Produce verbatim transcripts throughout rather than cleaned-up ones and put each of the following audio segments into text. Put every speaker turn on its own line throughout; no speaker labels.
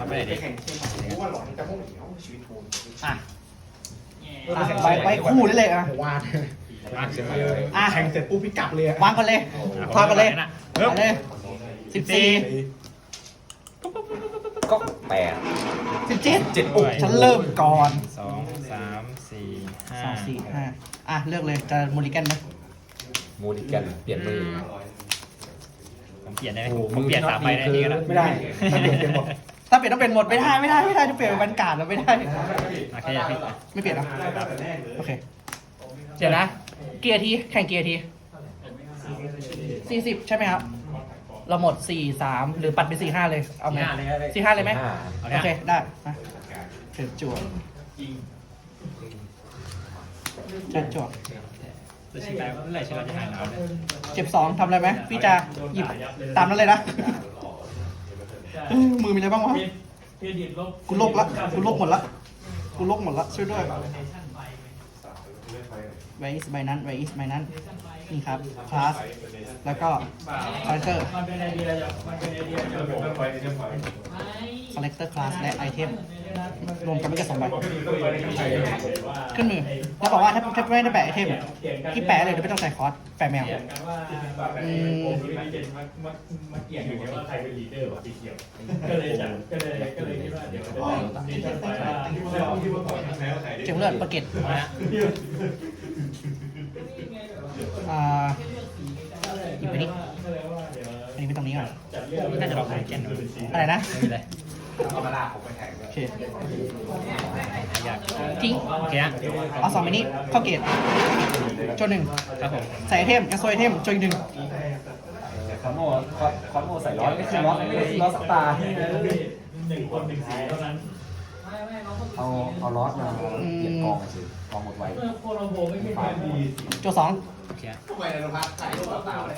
ไม่ได้ดิ
ว่าหลอนจะมุ่งเหนียวชีวิตทูน
อ่ะอ่ะไว้ไว้คู่ได้เลยอ่ะ
วาด
มากเสียไป
อ่ะ
แข่งเสร็จปุ๊บพี่กลับเลย
วางกันเลยพากันเลย
เฮ้ย
ไปเลยสิบสี่
ก็แปด
สิบเจ็ด
เจ็ดปุ๊บ
ฉันเริ่มก่อน
สองสามสี่ห้า
สองสี่ห้าอ่ะเลือกเลยจะมูลิกันไหม
มูดิกันเปลี่ยนมือ
ผมเปลี่ยนได้ไหมผมเปลี่ยนสามใบได้ทีก็ได้
ไม่ได้ถ้าเปลี่ยนเป็นหมด
ถ้าเปลี่ยนต้องเป็นหมดไม่ได้ไม่ได้ไม่ได้จะเปลี่ยนเป็นบรรกาศแล้วไม่ได้
โอเคพี่
ไม่เปลี่ยนนะโอเคเดี๋ยวนะ เกียร์ทีแข่งเกียร์ทีสี่สิบใช่ไหมครับ เราหมดสี่สามหรือปัดเป็นสี่ห้าเลยเอาไหมสี่ห้าเลยไหม
ห้า
โอเคได้มาเชิญจั่วเชิญจั่ว
จะชิมได้เมื่อไหร่ชิมเราจะหายหนาวเนี่ย
เจ็บสองทำอะไรไหมพี่จะหยิบตามนั้นเลยนะเอ้ยมือมีอะไรบ้างวะกูโลกละกูโลกหมดละกูโลกหมดละช่วยด้วยไวอิสใบนั้นไวอิสใบนั้นนี่ครับคลาสแล้วก็คาแรคเตอร์คาแรคเตอร์คลาสและไอเทมรวมกันไม่เกินสองใบขึ้นมือแล้วบอกว่าถ้าถ้าไม่ได้แปะไอเทมที่แปะเลยเดี๋ยวไม่ต้องใส่คอร์สแปะแมวอืม
มาเกี่ยงอยู่ว่าใครเป็นลีดเดอร์วะสีเขียวก็เลยจัดก็เลยก็เลยคิดว่าเดี๋ยวนี่จะไปว่าที่ว่าก่อนแล้วใคร
เจ็บเลือดประเกตอ่าหยิบไปนี่อันนี้ไปตรงนี้ก่อน
น่าจะลองใช้แกนดู
อะไรนะ
ไม่เป็นไร
เอามาลากผมไปแข่ง
โอเค
อยาก
ทิ้ง
โอเคนะ
เอาสองไปนี้เข้าเกตจนหนึ่ง
ครับผม
ใส่ไอเทมแอสโซไอเทมจนอีกหนึ่ง
คอนโมคอนโมใส่ร้อยไม่คือร้อยไม่คือร้อยสักตา
หนึ่งคนหนึ่งสีเท่านั้น
เอาเอาล็อตมาเปลี่ยนกองสิกองหมดไว
เมื่อโคโลโบไม่ใช่ความดี
โจสอง
โอเค
ทำไมเราพักใส่ตัวเปล่าเลย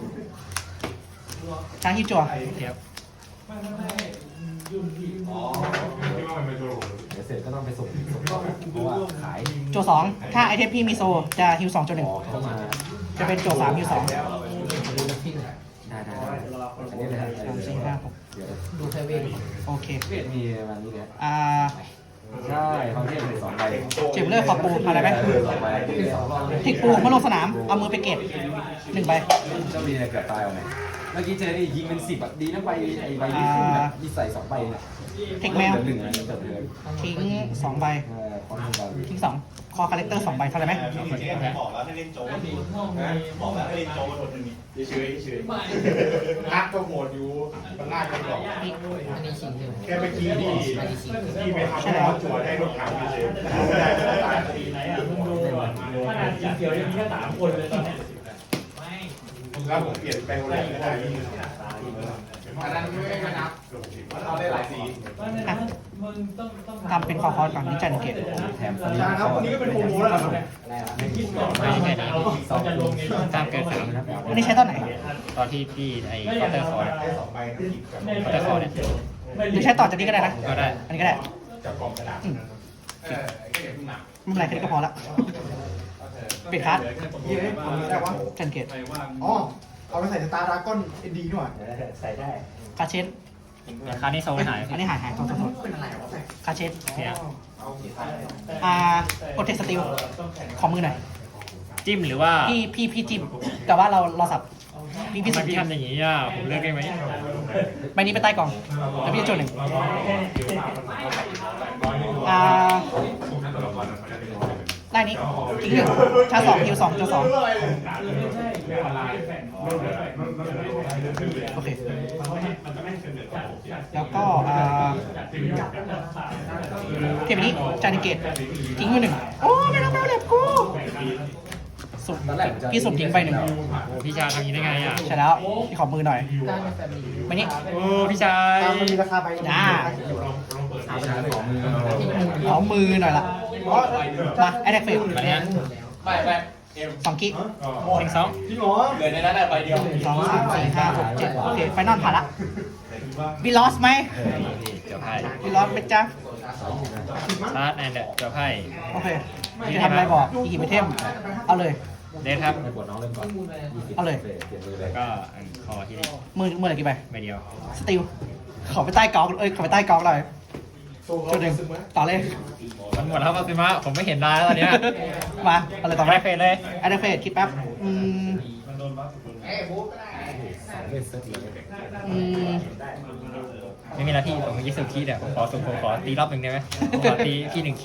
ช้างฮิวจัว
โอเคครับ
ไม่ไม่ไม่ยุ่นที่อ๋อ
เดี๋ยวเสร็จก็ต้องไปส่งส่งกองเพราะว่าขาย
โจสองถ้าไอเทมพี่มีโซจะฮิวสองจนหนึ่ง
ออกเข้ามา
จะเป็นโจสามฮิวสอง
ได้ได้ได้อันนี้เลย
สามสี่ห้าหก
เดี๋ยว
ดูเทเวทโอเค
เวทมีประมาณนี้เนี่ย
อ่า
ใช่เขาเรียกเป็นสองใบ
เจ็บเลือดขอบปูอะไรไหม
สองใบ
เทคปูเมื่อลงสนามเอามือไปเก็บหนึ่งใบ
เจ้ามีอะไรเกือบตายเอาไหมเมื่อกี้เจอนี่ยิงเป็นสิบอ่ะดีนะใบไอ้ใบนี้ขึ้นแบบมีใส่สองใบเนี่ย
เทคแมว
หนึ่งอันนี้เกือบเลย
ทิ้งสองใบ
เออคอนโทรล
ทิ้งสองคอคาแรคเตอร์สองใบเท่าไหร่ไหม
บอกแล้วให้เล่นโจ๊ก
ห้องมี
บอกแล้วให้เล่นโจ๊กคนหนึ่งนี่เฉยเฉยนักก็โหมดอยู่มันลากไปก่อน
อันนี้ชิงใช่ไหม
แค่เมื่อกี้ที่ที่ไปทำให้เราจวดให้รถถังเฉย
สีไหนอ่ะมึงดูก่อนขนาดสีเขียวยังมีแค่สามคนเลยตอนนี้
แล้วผมเปลี่ยนแปลงอะไรก็ได้อันนั้นไม่นับเราได้หลายสี
อ่ะ
มึงต้องต้อง
ทำเป็นคอคอร์สก่อนนี่จันเกต
แถมสลิป
ครับวันนี้ก็เป็นโปรโมแล้วครับ
คิดก่อนว่าเราจะลงใน
ตามเกิดสาม
อันนี้ใช้ตอนไหน
ตอนที่พี่ไอ้คอเตอร์คอร์
ได้สองใบนะหยิบกับ
คอเตอร์คอร์เนี่ย
หรือใช้ต่อจากนี้ก็ได้นะ
ก็ได้
อันนี้ก็ได้
จับกล่องกระดาษเออไอ้เก็บหนัก
ไม่เป็นไรแค่นี้ก็พอละปิดคัส
ยี่ห้อได้วะ
จันเกต
อ๋อเอาไปใส่สตาร์ดราก้อนเอ็นดีด้วย
ใส่ได้
คาเชน
ราคานี้โซนหาย
อันนี้หายหายโทษโทษโทษ
เป็นอะไรวะ
คาเชน
โอเคครับ
เอาเกียร์
อ่าโปรเทคสติลขอมือหน่อย
จิ้มหรือว่า
พี่พี่พี่จิ้มแต่ว่าเราเราสับพี่พี่
ทำไม
สับ
พี่
จิ้ม
ทำอย่างนี้อ่ะผมเลือกได้ไหม
ใบนี้ไปใต้กล่องแล้วพี่จะโจทย์หนึ่งอ่าได้นี้ทิ้งหนึ่งชาร์จสองฮิวสองโจทย์สองโอเคแล้วก็อ่าเทปนี้จานเกตทิ้งมือหนึ่งโอ้ไม่รับแล้วเล็บกูสุดพี่สุดทิ้งไปหนึ่ง
โอ้พี่ชายทำอย่างนี้ได้ไงอ่ะ
ใช่แล้วพี่ขอมือหน่อย
ได้ในแฟมิลี่
มานี่
โอ้พี่ชาย
มันมีราคาใบ
จ้า
ของมือ
ขอมือหน่อยละมาแอดแทกเฟล
มาเนี่ย
ไปไป
สองกิก
หนึ่งสอง
จริงเหรอเหลือในนั้นใบเดียว
สองสามสี่ห้าหกเจ็ดโอเคไฟนอลผ่านละวีลอสไหม
เจ้าไพ่
วีลอสเป็นจ้า
ชาร์จแอนด์เจ้าไพ่
โอเคจะทำอะไรบอกอีกกี่ไอเทมเอาเลย
เดทครับ
ไปกดน้องเริ่มก่อน
เอาเลย
เปลี่ยนมือเลย
ก็อันคอที่นี่
มือมืออะไรกี่ใบ
ใบเดียว
สติล
ม
ขอไปใต้กองเอ้ยขอไปใต้กองหน่อยจุดหนึ่งต่อเลย
มันหมดแล้วมาซิมะผมไม่เห็นได้แล้วตอนเนี้ย
มาอะไรต่อไป
ไม่เฟรเลย
แอดเฟสคิดแป๊บอืม
เอ้ยบุ๊กก็ได้
เล่นเซตเลย
อืม
ไม่มีหน้าที่ผมยี่สิบคีเนี่ยผมขอสุ่มผมขอตีรอบหนึ่งได้ไหมผมขอตีที่หนึ่งคี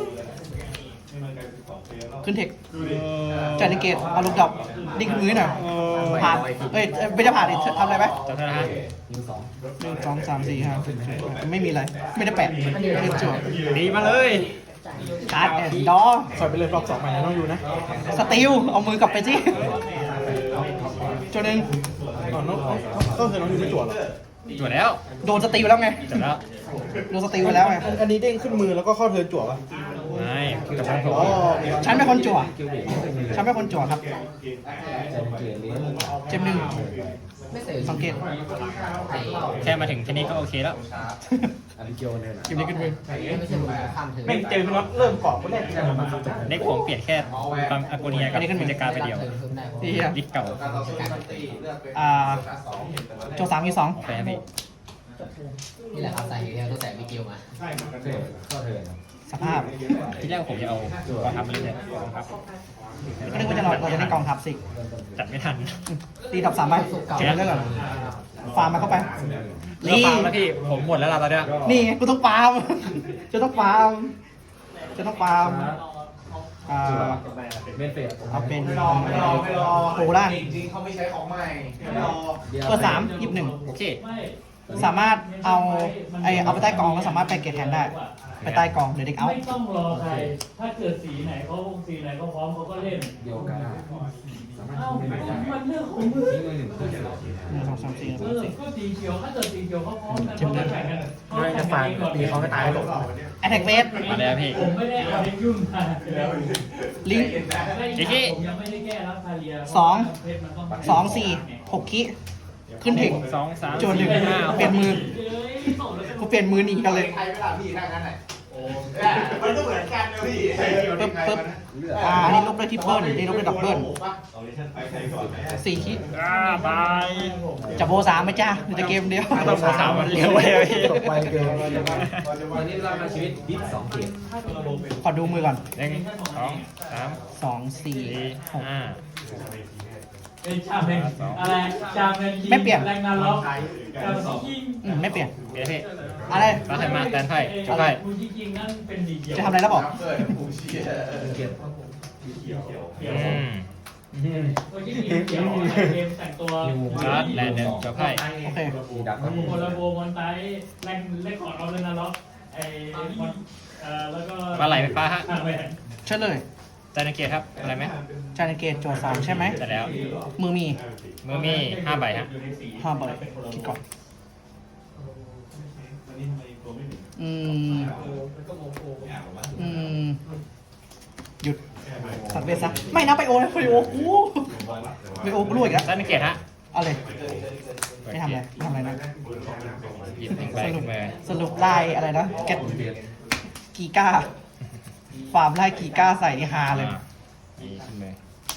ขึ้นเทคจัดในเกตเอาลูกดอกดิ้งขึ้นมือหน่อยผ่านเอ้ยไม่ได้ผ่านดิทำอะไรไหม
จำได้นะฮะ
ยิงสอง
หนึ่งสองสามสี่ห้าไม่มีอะไรไม่ได้แปะไม่ได้จั่ว
ดีมาเลย
การ์ดแอนด์ดอ
ถอยไปเลยรอบสองใหม่ต้องอยู่นะ
สติลเอามือกลับไปสิจุดหนึ่ง
อ๋อน้องต้องเธอน้องอยู่ไม่จั่วหรอ
จวดแล้ว
โดนสติลแล้วไง
จวดแล้ว
โดนสติลไปแล้วไง
อันนี้เด้งขึ้นมือแล้วก็เข้าเทิร์นจั่วป่ะ
ไม่กับผม
อ๋อ
ฉันเป็นคนจั่ว
คิวเบรก
ฉันเป็นคนจั่วครับ
เกมเลี้ยง
เจมหนึ่ง
ไม่เสร็จ
สังเกต
แค่มาถึงแค่นี้ก็โอเคแล้ว
อันนี้เกียวเนี่ยนะ
เกมนี้ขึ้นมือ
ไม่ใช่ผมข้ามเธอ
แม่งเจอพี่น็อตเริ่มเกาะคนแรกที่จะมา
เน็กผมเปลี่ยนแค่ความอากูเนียกับกิจการไปเดียว
ที่เหี้ย
ลิสเก่า
อ่าโจสามมีสอง
โอเคครับพี่
นี่แหละครับสาเหตุที่เราต้องใส่วิกิวมา
เทิร์นเข้าเทิร์น
สภาพ
ที่แรกผมจะเอากองทัพมาเล่นเนี่ยกองทัพ
ก็นึกว่าจะเราเราจะได้กองทัพสิ
จัดไม่ทัน
ตีดับสามใบเก็บเรื่องก่อนฟาร์มมาเข้าไป
นี่
นี่
แล้วพี่ผมหมดแล้วล่ะตอนเนี้ย
นี่ไงกูต้องฟาร์มจะต้องฟาร์มจะต้องฟาร์มอ่า
เมนเฟส
เอาเป็น
ไม่รอไม่รอไม่รอ
โคล่า
จริงๆเขาไม่ใช้ของใหม่ไม่รอ
เปิดสามหยิบหนึ่ง
โอเค
สามารถเอาไอเอาไปใต้กองแล้วสามารถไปเก็บแทนได้ ไปใต้กองเดี๋ยวเด็กเอา
ไม่ต้องรอใคร ถ้าเกิดสีไหนเขาสีไหนเขาพร้อมเขาก็เล่น
เดียวกันสามารถ
เอ้า
ยิงได้
มันเรื่องของมึง
ยิงมือหนึ่งขึ้น
หนึ่งสองสามสี่
เอ
สาม
อ
สี่
ก็สีเขียวถ้าเกิดสีเขียวเขาพร้อมกันเขาก็แข่งกัน
ไม่จะฟังตีเขาก็ตายหรอก
แอทแทกเวส
มาแล้วพี่
ผมไม่ได้เอาเด็กยุ่งมาแล้ว
ลิงก์
ผมยังไม่ได้แก้รับคาเรีย
สอง
เพชรมันต้อง
สองสี่หกคิขึ้นถึง
สองสาม
โจนหนึ่ง
สี่ห้า
เปลี่ยนมือกูเปลี่ยนมือหนีกันเลย
ใครไม่ล่ะพี่ถ้างั้นไหนมันก็เหมือนกันนะพี่
ปึ๊บปึ๊บ
เลือด
อ่าอันนี้ลบด้วยทริปเปิลอันนี้ลบด้วยดับเบิลสี่คิ
อ่าบาย
จะโบสามไหมจ้าหรือจะเกมเดียว
ต้องสามมันเร็วเลยพี่
จบไปเกิน
ตอนนี้เรามาชีวิตดิฟสองเกม
ขอดูมือก่อน
หนึ่งสองสาม
สองสี่
สี่
หก
ห้า
เป็นชาเป็นอะไรชาเป็นยิง
ไม่เปลี่ยน
แรงงานล็อกกับยิง
อืมไม่เปลี่ยน
เดี๋ยวพี่
อะไร
มาให้มาแตนไพ่จบไพ่
คุณยิงยิงนั่นเป็นดีเขียว
จะทำอะไรแล้วบอก
เกิดผู้เชี่ย
เกม
อืม
คุณยิงยิงเขียวเกมแต่งตัว
ชาร์จแลนด์หนึ่งจบไพ่
โอเค
มีดักครับ
โคลาโบมอนไตแรงเล่นของเราเลยนะล็อกไอ้มอนเอ่อแล้วก็
ปลาไหลไฟฟ้าฮะ
ทางแหวน
เชิญเลย
จานเกียรติครับอะไรไหม
จานเกตโจทย์สามใช่ไหม
แต่แล้ว
มือมี
มือมีห้าใบฮะ
ห้าใบคิดก่อน อืม อืม หยุดตัดเวสซะไม่นะไปโอนะไปโอกูไปโอกูรู้อีกแล้ว
จานเกียรติฮะ
เอาเลย ไม่ทำอะไรไม่ทำอะไรนะ
หยิบหนึ่งใบ
สรุ
ขึ้
ป
นมา
สรุปไล่อะไรนะแกตกีก้า ฟาร์มไล่กีก้าใส่ที่ฮาเลย
อ่านี่ขึ้นมา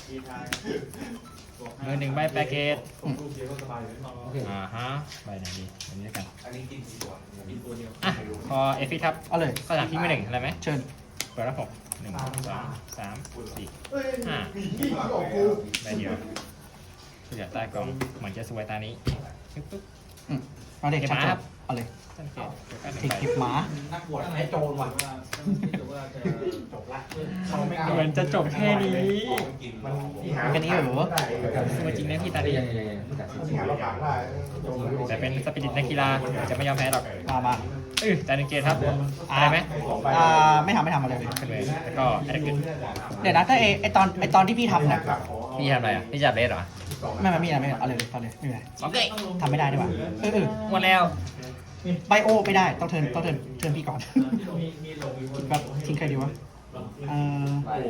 มือหนึ่งใบแปกเกจ
อืม
อ่าฮะใบไหนดีอันนี้แล้วกัน
อันนี้กินกี่ตัว
อ่ะพอเอฟฟี่ทับ
เอาเลย
สถานที่ไม่หนึ่งอะไรไหม
เชิญ
เปิดรับหกหนึ่งสองสามสี่ห้า
มีที่ของกู
ใบเดียวเหลือใต้กล่องเหมือนจะสวยตานี้ปึ๊บปึ๊บ
อืมเอาเด็ก
เก็บ
ชัด
ม้า
จ
ครับ
บเอาเลย
จานเกียรติเดี๋ยวกันหนึ่
ถิ
ง
ก
ใบ
เก็บหมา
นักบวชไอ้โจรว่ะเขาไม่
เหมือนจะจบแค่นี้
แค่นี้เหรอ
สวยจริงนะพี่ตาดี
ยังยังยังไม่กัดสิ
แต่เป็นสปิริตนักกีฬาจะไม่ยอมแพ้หรอก
มามา
เออจานเกียรติครับอะไรไหม
อ่าไม่ทำไม่ทำอะไรเลย
ขึ้นเลยแล้วก็แอดเกิน
เดี๋ยวนะถ้าไอไอตอนไอตอนที่พี่ทำเนี่ย
พี่ทำอะไรอ่ะพี่จับเลสเหรอ
ไม่ไม่มีอะไรไม่เอาเลยเอาเลยไม่มีอะไร
โอเค
ทำไม่ได้ดีกว่าเออเออ
หมดแล้ว
ไบโอไม่ได้ต้องเทิร์นต้องเทิร์นเทิร์นพี่ก่อน
มีมีหลงมีคน
แบบทิ้งใครดีวะเอ่อ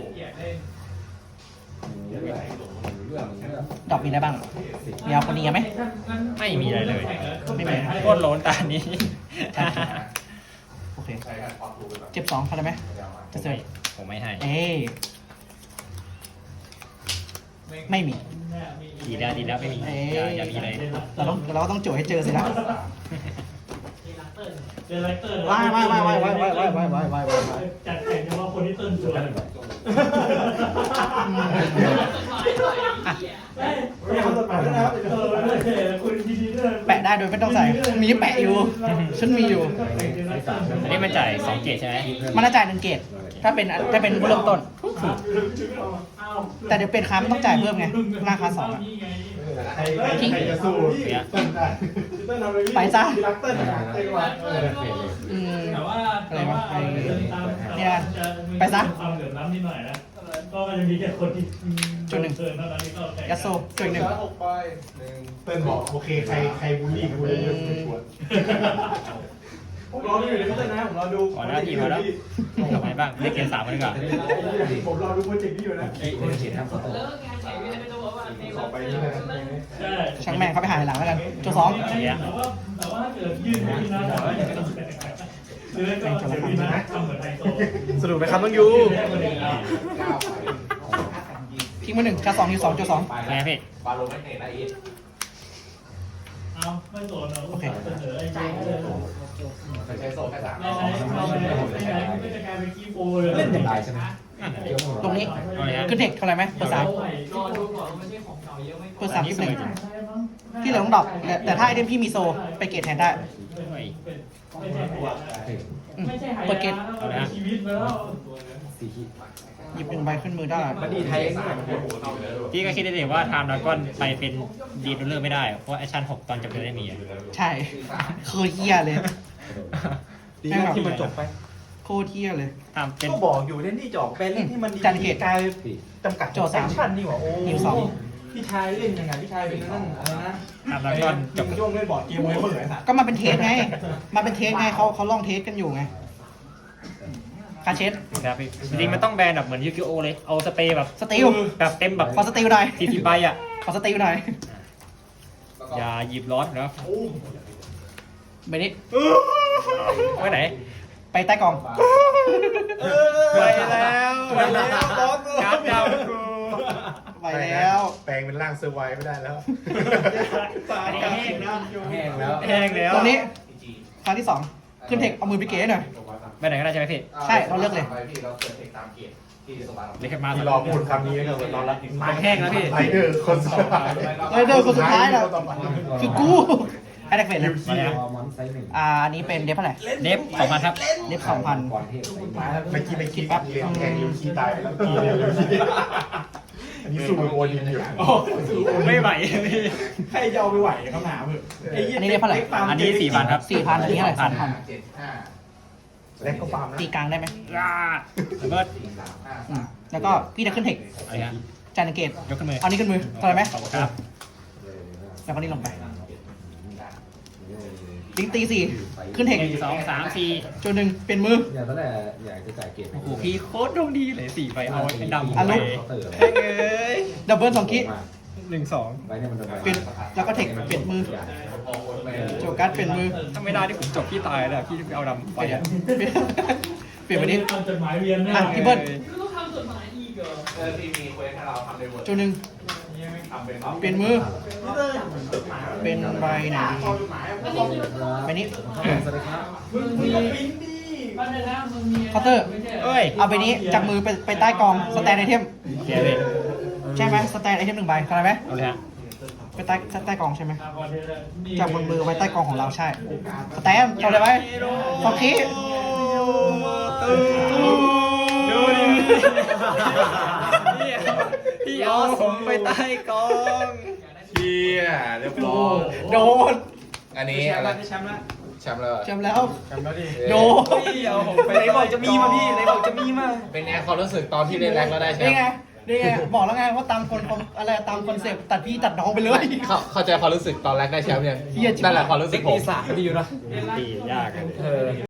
เรื่องเรื่อง
ดอกมีอะไรบ้างมีเอาคนนี้ไหม
ไม่มีอะไรเลย
ไม่มี
โคตรโล้นตานี้
โอเคเจ็บสองเข้าได้ไหมจะเจอ
ผมไม่ให้
เอ้ยไม่มี
ดีแล้วดีแล้วไม่มี
เอ้ย
อย่าอย่ามีเลย
เราต้องเราก็ต้องโจทย์ให้เจอสินะ
เดลเตอร์
ว้ายว้ายว้ายว้ายว้ายว้ายว้ายว้ายว้ายว้ายว้าย
จัดแข่งเฉพาะคนที่เต้นสวย
มีคนตดปากด้วยนะครับ
เออไม่ใช่คุณดีดีด้วย
แปะได้โดยไม่ต้องใส่ มีแปะอยู่ ฉันมีอยู่
อันนี้มันจ่ายสองเกตใช่ไหม
มันน่าจ่ายหนึ่งเกตถ้าเป็นถ้าเป็นเริ่มต้น แต่เดี๋ยวเป็นค้ามันต้องจ่ายเพิ่มไงราคาสองอะ
ใครใครใครจะสู้เต้นได้
ไปซะ
รักเต้นนะเต้นว่า
อืม
แต่ว่าแต่ว่าความเหลื่อมล้ำนิดหน่อยนะก็มันจะมีแค่คนที่เกินเท่านั้นที่เข้าใจ
ยัสโซจุดหนึ่ง
เต้นบอกโอเคใครใครบูลลี่กูเลยเยอะไม่ควร
ผมรอดูอยู่ในพัฒนาผมรอดู
ขอหน้าที่มาแล้วทำไมบ้างเรียกเกตสามมาดีกว่า
ผมรอดูโปรเจกต์นี้อยู่นะ
ไอ้เขียนทำสตอ
ขอไปนี่เลย
ใช่
ช่างแม่งเขาไปหาหลังแล้วกันจุดสอง
แต่ว่าแต่ว่าถ้าเกิดยื่นที่นั่นแต่ว่าจะต้องแตกหรือก็เดี๋ยวนี้นะทำเหมือนไฮโซ
สนุกไหมครับน้องยู
ทิ้งมาหนึ่งกาสองยูสองจุดสอง
ไงพี่
บาโลไม่เตะนะอีท
เอาไม่โดนเราเสนอไอ้เจ้าเลย
ไม่ใช่โซ่แค่สาม
ไม่ใช่ไม่ใช่ไม่ใช่ก็จะกลายเป็นกีโปเลย
เล่นอย่างไรใช่ไหม
ตรงนี้ขึ้นเทคเท่าไหร่ไหมเปิดสาม
รอดูก่อนไม่ใช่ของเก่าเยอะไม่
เปิดสามสิบหนึ่งที่เหลือต้องดรอปแต่แต่ถ้าไอเทมพี่มีโซไปเกตแทนได้
ไม่ใช่หัว
อืม
ไม่ใช่หาย
เปิดเกต
าชีวิตแล้ว
สี่ขีด
หยิบหนึ่งใบขึ้นมือได้
บัดดี้ไทย
พี่ก็คิดได้เลยว่าไทม์ดราก้อนไปเป็นดีดเลอร์ไม่ได้ เพราะแอคชั่นหกตอนจบจะได้มีอะ
ใช่โคตรเฮียเลย
ดีนะที่มันจบไป
โคตรเฮียเลย
ทำเป็น
ก็บอกอยู่เล่นนี่จอกเป็นเล่นที่มันดี
จันเกต
กลายจำกัด
โจทย์สาม
แอคชั่นนี่หว่าโอ้
นิวสอง
พี่ชายเล่นยังไงพี่ชายเป็นนั่นอะไรนะ
ไทม์ดราก้อนจ
จั
บบ
ย่งเล่นบอร์ดเกมไว้เบื่อไอ้สัตว์
ก็มาเป็นเทสไง มาเป็นเทสไงเขาเขาลองเทสกันอยู่ไงคาเชส
ครับพี่จริงๆมันต้องแบนแบบเหมือนยูกิโอเลย เอาสเปรย์แบบ
สติล
แบบเต็มแบบ
ขอสติลหน่อย
สี่สิบใบอ่ะ
ขอสติลหน่อย
อย่าหยิบร้อนนะ
ไปนี้
ไว้ไหน
ไปใต้กล่อง
ไปแล้วไปแล้วการ์ดดาวกู
ไปแล้ว
แปลงเป็นร่างเซอร์ไวไม่ได้แล้ว
อันนี้แห้งนะ
แห้งแล้ว
แห้งแล้ว
ตรงนี้ครั้งที่สองขึ้นเทคเอามือไปเก๋หน่อย
ไปไหนก็ได้ใช่ไหมพี่
ใช่เราเลือกเลย
พี่เราเปิดเทคตามเกียรติที่สบาย
เรียกมา
ที่รอพูดคำนี้ก็เหมือนนอนรับ
ปากแห้งแล้วพี่
ไรเดอร์คนสุดท้าย
ไรเดอร์คนสุดท้ายน่ะ คือกูไอ้เด็กเฟรนเลย
มาแล้ว
มอนไซส์หนึ่ง
อ่าอันนี้เป็นเดฟเท่าไหร่
เดฟสองพันครับ
เดฟสองพัน
ก่อนเทพไซส์
เมื่อกี้ไม่คิดปั๊บเรียนแทงยูคีตายไปแล้วทีเดียวยูคีอันนี้สู้มือโอดินอยู่
ไม่ไหว
ใครจะเอาไปไหวคำถามเถอะไอ้เหี้ย
อันนี้เดฟเท่าไหร่
อันนี้สี่พันครับ
สี่พันอันนี้เท่าไหร่สามพัน
เจ็ดห้า
แล้วก็ฟาร์มนะ
ตีกลางได้ไหม
แล้วก็
สี่สามห้า
อืมแล้วก็พี่จะขึ้นเทค
อะไรฮะ
จานเกต
ยกขึ้นมือ
เอานี้ขึ้นมือเท่าไหร่ไหม
ขอบคุณครับ
แล้วก็นี่ลงไปลิงตีสี่ขึ้นเทค
หนึ่งสองสามสี่
จุดหนึ่งเป็นมือ
อย่างตอนแรกอยากจะจ่ายเกียรติ
โอ้โหพี่โคตรดวงดีเลยสี่ใบเอาไอ้ดำ
อ่ะ
ไป
ลูก
แห้งเอ้ย
ดับเบิลสองคิ
หนึ่งสอง
ไว้เนี่ยมันโดน
เป็นแล้วก็เทคเปลี่ยนมือโจกัสเปลี่ยนมือ
ถ้าไม่ได้ที่ผมจบพี่ตายแล้วพี่ไปเอาดำไป
เปลี่ยน
อ่ะ
เปลี่ยนไปนี้
ทำจดหมายเวียน
อ่ะพี่เบิ้ล
ต้องทำจดหมายอีกเหรอ
เออที่มีเควสให้เราทำในเวิร์ด
จุดหนึ่ง
ทำเป็น
เปลี่ยนมือ เป็นใบไหนใบนี้
สวัสดีครับ
มึงมีบ้านนะมึงมี
เคาน์เตอร์
เอ้ย
เอาใบนี้จากมือไปไปใต้กองสแตนไอเทม
เขียนเลย
ใช่ไหมสแตนไอเทมหนึ่งใบเข้าใจไหม
เอาเลยฮะ
ไปใต้ใต้กองใช่ไหมจากบนมือไว้ใต้กองของเราใช่สแตนเข้าใจไหมฟอคี
ดูดิพี่พี่เอาผมไปใต้กอง
เชี่ยเรียบร้อย
โดน
อันนี้อะไรแชมป์แล้วแชมป์แล้ว
จำแล้ว
แชมป์แล้วดิ
โดน
พี่เอาผมไป
ไหนบอกจะมีมาพี่ไหนบอกจะมีมา
เป็นไงความรู้สึกตอนที่เล่นแรงแล้วได้แช
นี่
มป์
ไงนี่ไงบอกแล้วไงว่าตามคนอะไรตามคอนเซปต์ตัดพี่ตัดน้องไปเลย
เข้าเข้าใจความรู้สึกตอนแรกได้แชมป์ยัง
เหี้ยจริง
นั่นแหละความรู้สึกผม
ตียากอะ